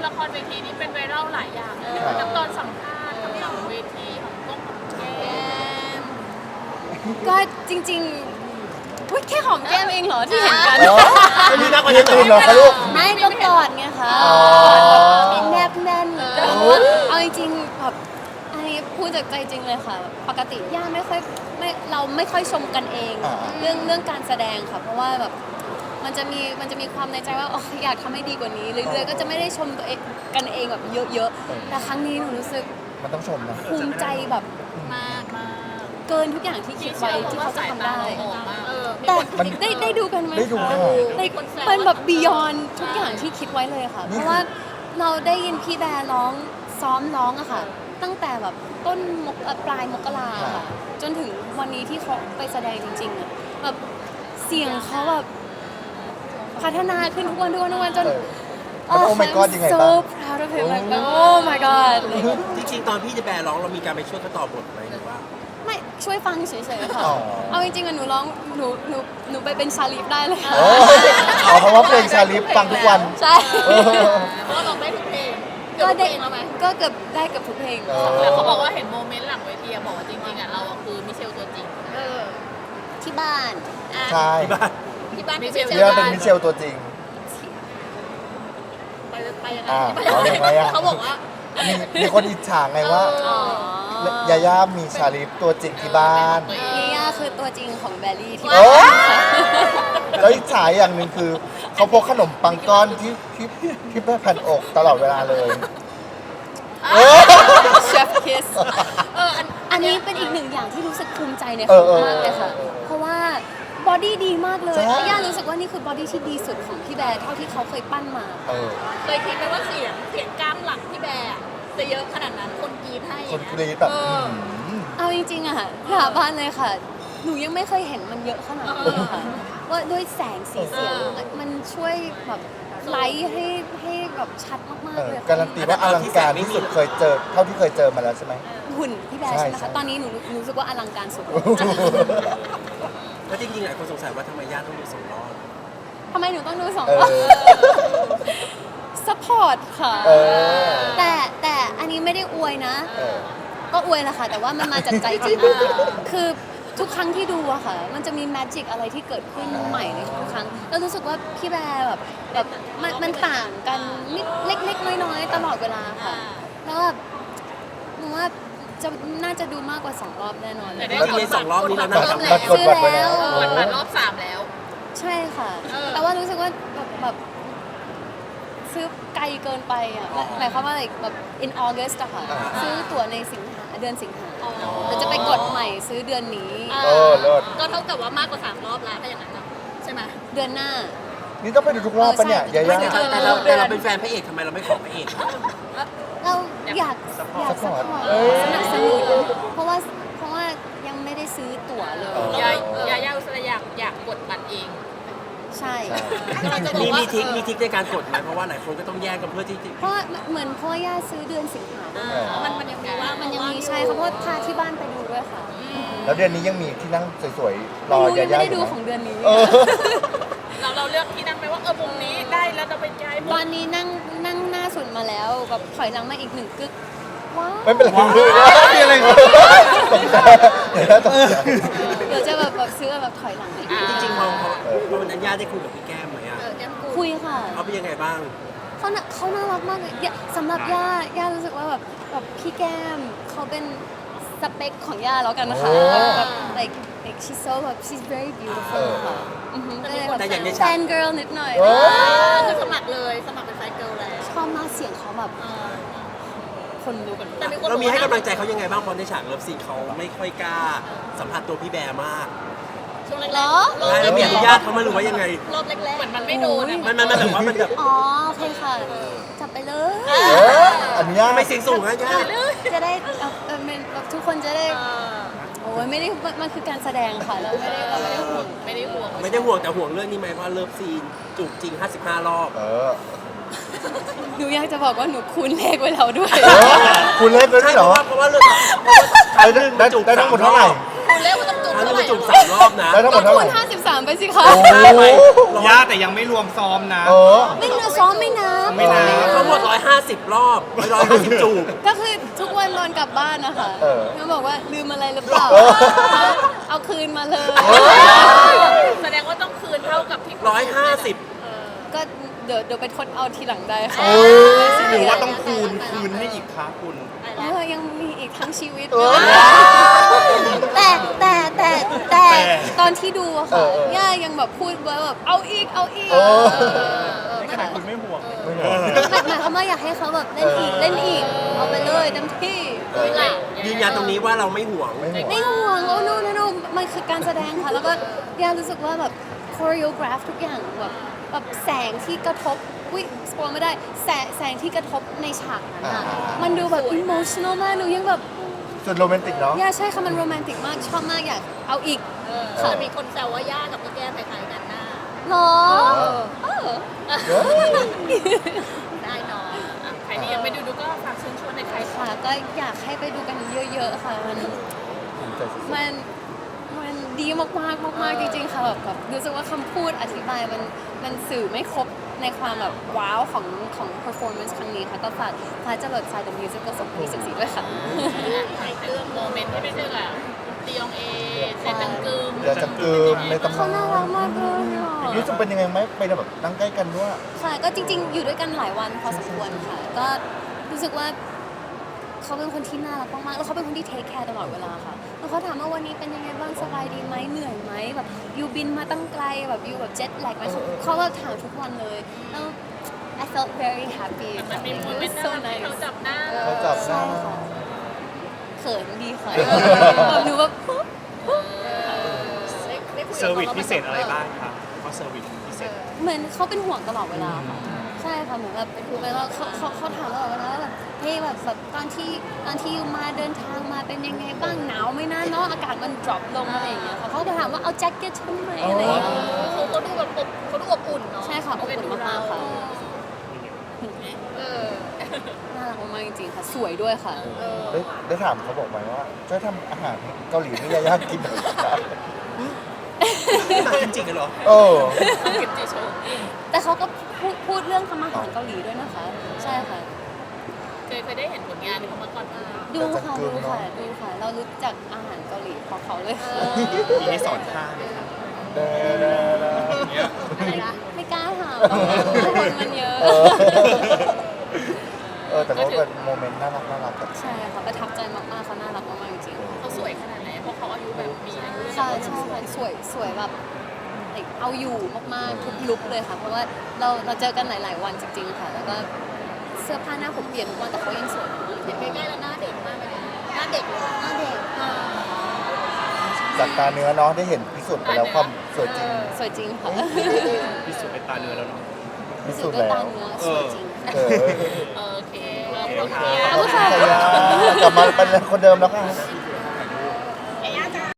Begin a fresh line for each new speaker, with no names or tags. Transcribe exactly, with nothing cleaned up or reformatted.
ละครเวทีนี้เป็นไวรัลหลายอย่างทั้งตอนสัมภาษณ์ทั้งหลังเวทีของกล้องของแก้ม
ก็จริงๆอุ๊ยแค่หอมแก้มเองเหรอที่เห็นกัน
ไม่มีนักกว่านั้น
ตื่นเหรอคะลูก
ไม่ก็กอดไงคะ
อ๋อ
มีแนบแน่นแต่ว่าเอาจริงๆแบบอันนี้พูดจากใจจริงเลยค่ะ ปกติย่าไม่ค่อยไม่เราไม่ค่อยชมกันเอง
อ่า
เรื่องเรื่องการแสดงค่ะ เพราะว่าแบบมันจะมีมันจะมีความในใจว่าอ๋ออยากทำให้ดีกว่านี้เรื่อยๆก็จะไม่ได้ชมตัวเองกันเองแบบเยอะๆแต่ครั้งนี้หนูรู้สึก
มันต้องชมนะ
ภูมิใจแบบ
มากมาก
เกินทุกอย่างที่คิดไว้ที่เขาจะทำได้
เออ
แต่
มัน
ได้ได้ดูกันไหม
ได้ดู
คะ
ค่ะ
ในมันแบบบียอนทุกอย่างที่คิดไว้เลยค่ะ
นี่
เพราะว่าเราได้ยินพี่แบร์ร้องซ้อมร้องอะค่ะ ตั้งแต่แบบต้นมกเอ่อปลายมกราค่ะ จนถึงวันนี้ที่เขาไปแสดงจริงๆอะแบบเสียงเขาแบบพัฒนาขึ้นทุกวันทุกวันทุกวันจน
เออแล้ว Oh my God ยังไง
so
บ้าง
proud of him like oh my god
จริงๆตอนพี่จะแบร์ร้องเรามีการไปช่วยเขาต่อบทไหมหรือว่า
ไม่ช่วยฟังเฉยๆค่ะ
อ๋อ
เอาจริงๆอะหนูร้องหนูหนูหนูไปเป็นชาลีฟได้เลย
เออเอาเพราะว่าเพลงชาลิฟฟังทุกวัน
ใช่
เออ
เพราะว่าเราได้ทุกเพลง
ก็
ก็
ได้
ได้แล้วไหม
ก็เกือบได้เกับทุกเพลง
เออ
แต่เขาบอกว่าเห็นโมเมนต์หลังเวทีอะบอกว่าจริงๆอะเราอะคือมิเชลตัวจริงเออ
ที่บ้าน
อ่ะ
ใช่
ที่บ้าน
ที่บ้านมิเชล
เรียกว่าเป็นมิเชลตัวจริง
ไปไปยังไง
อ่า
ไป
เอายังไงอะ
เขาบอกว่า
มีมีคนอิจฉาไงว่า
อ๋อ
ยาย่ามีชาลิฟตัวจริงที่บ้าน
นี่ย่าคือตัวจริงของแบลลี่ที่
เอ
บ้า
อน แล้วอิจฉาอย่างหนึ่งคือ เขาพกขนมปังก้อนที่ที่ที่แผ่นอกตลอดเวลาเลยเออ
เชฟคิส
เอออัน
อันนี้เป็นอีกหนึ่งอย่างที่รู้สึกภูมิใจใน
เอ
เขา
อเออ
มากเลยค่ะ เพราะว่าบอดี้ดีมากเลย
ใช่
แล้วย่ารู้สึกว่านี่คือบอดี้ที่ดีสุดของพี่แบร์เท่าที่เขาเคยปั้นมา
เออ
เคยคิดไหมว่าเสียงเสียงกล้ามหลังที่แบร์อะจะเยอะขนาดนั้นคนกรีดให้
คนกรี๊ดแบบ
เออ
หืม
เอาจริงๆอะค่ะหาบ้านเลยค่ะ หนูยังไม่เคยเห็นมันเยอะขนาดนี้อะค่ะ ว่าด้วยแสงสีเสียงมันช่วยแบบไลท์ให้ให้แบบชัดมาก
เอ
ๆ
อ
เลย
การันตีว่าอลังการที่สุดเคยเจอ เท่าที่เคยเจอมาแล้วใช่ไหม
หุ่นพี่แบร์
ใช่
ใช่ไหม
ใช่
คะ ตอนนี้หนูหนูรู้สึกว่าอลังการสุด
แล้วจริงๆหลายคนสงสัยว่าทำไมญาติต้องดูสองรอบ
ทำไมหนูต้องดูสอง
เอ
รอบ
อ
ซัพพอร์ตค่ะ
เออ
แต่แต่อันนี้ไม่ได้อวยนะ
เออ
ก็อวยแหละค่ะ แต่ว่ามันมาจากใจจริง คือทุกครั้งที่ดูอะค่ะ มันจะมีแมจิกอะไรที่เกิดขึ้นใหม่ในทุกครั้ง แล้วรู้สึกว่าพี่แบร์แบบแบบมันมันต่างกันนิดเล็กๆน้อยๆตลอดเวลาค่ะ แล้วแบบหนูว่าจะน่าจะดูมากกว่าสองรอบแน่นอนเลย
แล้วในสองรอบนี้เรานั่ง
บั
ทำ
ต
อะไร
รกดบัตรไปแล้ว
เปิดมารอบสามแล้ว
ใช่ค่ะ
เออ
แต่ว่ารู้สึกว่าแบบแบบซื้อไกลเกินไปอ่ะหมายความว่าอะไรแบบ in August อะค่ะ
อ่า
ซื้อตั๋วในสิงหาเดือนสิงหาเดี๋ยวจะไปกดใหม่ซื้อเดือนนี้
เออเลิศ
ก็เท่ากับว่ามากกว่าสามรอบแล้วถ้าอย่างนั้นเนอะใช่ไหม
เดือนหน้า
นี่ต้องไปดูทุกรอบปะเนี่ย
เออใช่
ยาย่า
แต่แต่เราแต่เราเป็นแฟนพระเอกทำไมเราไม่ขอพระเอก
เราอยากอยากสปอร์ต
เอ้ย
สนับสนุนเพราะว่าเพราะว่ายังไม่ได้ซื้อตั๋วเลย
เออ
ยายยายาอุสระอยากอยากกดบัตรเอง
ใช่
กำลังจะบอ
มี
กว่า
มีทริค
เออ
มีทริคในการกดไหมเพราะว่าหลายคนก็ต้องแย่งกันเพื่อที่จะ
เพราะว่าเหมือนพ่อย่าซื้อเดือนสิงหาด้วย
เออ
มันมันยังมีว่า
มันยังมีใช่ค่ะเพราะว่าพาที่บ้านไปดูด้วยค่ะ
แล้วเดือนนี้ยังมีที่นั่งสวยๆ ร
ไม่
อ
รู้
ยา
ยัง
ย่า
ไม่ได้
อ
ดู
ยู่
ของ
นะ
เดือนนี้
เออ
เราเราเลือกที่นั่งไหมว่าเออมุมนี้ได้แล้วเราไปย้ายมุ
ต
ม
อนนี้นั่งนั่งหน้าสุดมาแล้วแบบถอยหลังมาอีกหนึ่งกึกว้าว
ไม่เป็นไรมีอะไรตกใจเดี๋ยวนะตกใจ
เดี๋ยวจะแบบแบบซื้อแบบถอยหลังมาอีก
จริงๆพอพอพอวันนั้นญาติได้คุยกับพี่แก้มไหมอ่ะ
เออแก้มกู
คุยค่ะ
เขาเป็นยังไงบ้าง
เขาน่ะเขาน่ารักมากเลยย่าสำหรับย่าย่ารู้สึกว่าแบบแบบพี่แก้มเขาเป็นสเปคของย่าแล้วกันนะคะ
โอ้
แบบ like like she's so แบบ she's very beautiful ค่ะอือหือก็เลยแบบ
แต่อย่างใน
แฟ
ฉาก
น girl นิดหน่อย
โอ้
คือสมัครเลยสมัครเป็นไซเกิลแล้ว
ชอบมากเสียงเขาแบบ
เออ
คนลุก
แต่มีคน
เรามี
บอก
ให้
ว่
กำลังใจเขายังไงบ้างเพราะในฉากเลิฟซีนเขาไม่ค่อยกล้าสัมผัสตัวพี่แบร์มาก
ช่วงแรกๆ
เหรอ
รอบ
ใช่แล้วมีอนุญาตเขาไหม่รู้ว่ายังไง
รอบแรกๆเหมือนมันไม่โดนอะ
มันมันมันแบบว่ามันแบบ
อ๋อโอเคค่ะ จับไปเลย
เอออันนี้
ทำไมเสียงสูงอะญาติ
จะได้เอาเออมันแบบทุกคนจะได้
เออ
โอ้ยไม่ได้มันมันคือการแสดงค่ะเราไม่ได้เราไม่ได้ห่วง
ไม่ได้ห่วง
ไม่ได้ห่วงแต่ห่วงเรื่องนี้ไหมว่าเลิฟซีนจูบจริงห้าสิบห้ารอบ
เออ
หนูอยากจะบอกว่าหนูคูณเลขไว้แล้วด้วย
เออคุณเล่นด้วย
ใช่
เหร
เพ
อ
ราะว่าเพราะว่าเรื่องเพราะว่า
ได้ได้ได้ทั้งหมดเท่าไหร่
คุณเรียกว่าต้องจุด
ครั้งหนึ
เท่าง ไหร่
จูบสามรอบนะ
แล้วทั้งหม
ก็
ดเท่า
คู
ไหร่
ณห้าสิบสามไปสิคะ
โอ้โห
ย่าแต่ยังไม่รวมซ้อมนะ
เออ
ไม่เนื้อซ้อมไม่นับ
ไม่นับ
ทั้งหมดร้อยห้าสิบรอบร้อยห้าสิบจูบ
ก็คือทุกวันนอนกลับบ้านนะคะ
เออ
เขาบอกว่าลืมอะไรหรือเปล่า
เออ
เอาคืนมาเลย
แสดงว่าต้องคืนเท่ากับที่
ร้อยห้าสิบ
ก็เดี๋ยวเดี๋ยวไปทดเอาทีหลังได้ค่ะ
โอ้ย
หรือว่าต้องคูณคืนให้อีกคะคุณ
เออยังมีอีกทั้งชีวิต
เออ
แต่แต่แต่แต่
แต่
ตอนที่ดูอะ
เอ
ค่ะ
อเออย่
ายังแบบพูดว่าแบบเอาอีกเอาอีก
เออ
ขนาดคุณไม่ห่วง
ไม่ห่วง
หมายหมายความว่าอยากให้เขาแบบเล่นอีกเล่นอีกเอาไปเลยเต็มที่
เออ
ยืนยันตรงนี้ว่าเราไม่ห่วง
ไม่ห่วง
ไม่ห่วงโอ้ no no no มันคือการแสดงค่ะ แล้วก็ย่ารู้สึกว่าแบบโค r ร o กราฟทุกอย่างแบบแบบแสงที่กระทบอุ้ยสปอยไม่ได้แสงแสงที่กระทบในฉากนั้นอะ
อ่า
มันดูแบบ emotional มากหนูยังแบบ
สุดโรแมนติกเนาะ
ย่าใช่ค่ะมันโรแมนติกมากชอบมากอยากเอาอีก
ค่ะมีคนแซวว่าย่ากับพี่แก้มคล้ายๆกันหน้า
หรอเออ
เฮ้ย
ได้เนาะอ่ะใครที่ยังไม่ดูดูก็ฝากเชิญชวนในใคร
ค่ะก็อยากให้ไปดูกันเยอะๆค่ะมัน มันมันดีมากๆมากๆจริงๆค่ะแบบแบบรู้สึกว่าคำพูดอธิบายมันมันสื่อไม่ครบในความแบบว้าวของของ performance ครั้งนี้ค่ะก็ฝากฟ้าจะหลดทราย The Musical สองพันยี่สิบสี่ด้วยค่ะ
ในเรื่องโมเมนต์ที่ไม่ใช่แบบตียองเอเซนตังกึม
เดี๋ยวจะกลืมในตำ
เขา
นาน
น่ารักมากเลยอ่ะ
รู้สึกเป็นยังไงไหมไปแบบนั่งใกล้กันด้วย
ค่ะก็จริงๆ อยู่ด้วยกันหลายวันพอสมควรค่ะ ก็รู้สึกว่าเขาเป็นคนที่น่ารักมากๆแล้วเขาเป็นคนที่เทคแคร์ตลอดเวลาค่ะแล้วเขาถามว่าวันนี้เป็นยังไงบ้างสบายดีไหมเหนื่อยไหมแบบยูบินมาตั้งไกลแบบยูแบบเจ็ตแลกไหมเขาเขาก็ถามทุกวันเลยแล้ว I felt very happy
มันมีโมเมนต์
so
น่ารักที่
nice
เขาจับหน้า
เขาจับหน้า
ใช่ค่ะเขินดีค่ะแบบหนูแบบ
เซอร์วิสพิเศษอะไรบ้างคะเขาเซอร์วิสพิเศษ
เหมือนเขาเป็นห่วงตลอดเวลาค่ะใช่ค่ะเหมือนแบบเวลาเขาเขาเขาถามตลอดเวลาว่าแบบเฮ้ยแบบแบบตอนที่ตอนที่ยูมาเดินทางมาเป็นยังไงบ้างหนาวไหมนะเนาะอากาศมัน drop ลงอะไรอย่างเงี้ยค่ะเขาจะถามว่าเอาแจ็คเก็ตฉันไหมอะไรอย่างเงี้ย
เขาเขาดูแบบอบเขาดูอบอุ่นเนาะ
ใช่ค่ะอบอุ่นมากๆค่ะ
เออ
น่ารักมากๆจริงๆค่ะสวยด้วยค่ะ
ได้ได้ถามเขาบอกไหมว่าช่วยทำอาหารเกาหลีให้ยายากินหน่อยครับ
มาจริงๆกันเหรอ
เออ
กิมจิโชว์
แต่เขาก็พูดพูดเรื่องทำอาหารเกาหลีด้วยนะคะ ใช่ค่ะ
เคยเคยได้เห็นผลงานที่เขามาก่อนมา
ดูค่ะดูค่ะดูค่ะ เรารู้จักอาหารเกาหลีเพราะเขาเลยค่ะ
มีให้สอนท่าไหมคะ
เด้อเด้อเด้อ
อย่างเงี้ย
อะไรนะ
ไม่กล้าถามคนมันเยอะ
เออเออแต่ก็เป็นโมเมนต์น่ารักน่ารักแบบ
ใช่ค่ะประทับใจมากๆเขาน่ารักมากๆจริงๆ
เขาสวยขนาดไหนเพราะเขาอายุแบบมีอายุ
ค่ะใช่ค่ะสวยสวยแบบเอาอยู่มากๆทุกลุคเลยค่ะ เพราะว่าเราเราเจอกันหลาย ๆ วันจริง ๆ ค่ะ แล้วก็เสื้อผ้าหน้าผมเปลี่ยนทุกวันแต่เขายังสวยอยู่
เห็นใกล้ๆแล้วหน้าเด็กมากเลยนะหน้าเด็กเลย
หน้าเด็ก
จากตาเนื้อเนาะได้เห็นพิสูจน์ไปแล้วความสวยจริง
สวยจริงค่ะ
พิสูจน์เป็นตาเนื้อแล้วเนาะ
พิ
สุ
สู
ด
จน์
ด้วย
แล้
ตาว เนื้อสวยจริง
เออ
โอเคขอบคุณ
โอเค
ค่ะ
ขอบคุณค่ะ
ยายากลับมาเป็นคนเดิมแล้วค่ะ
ค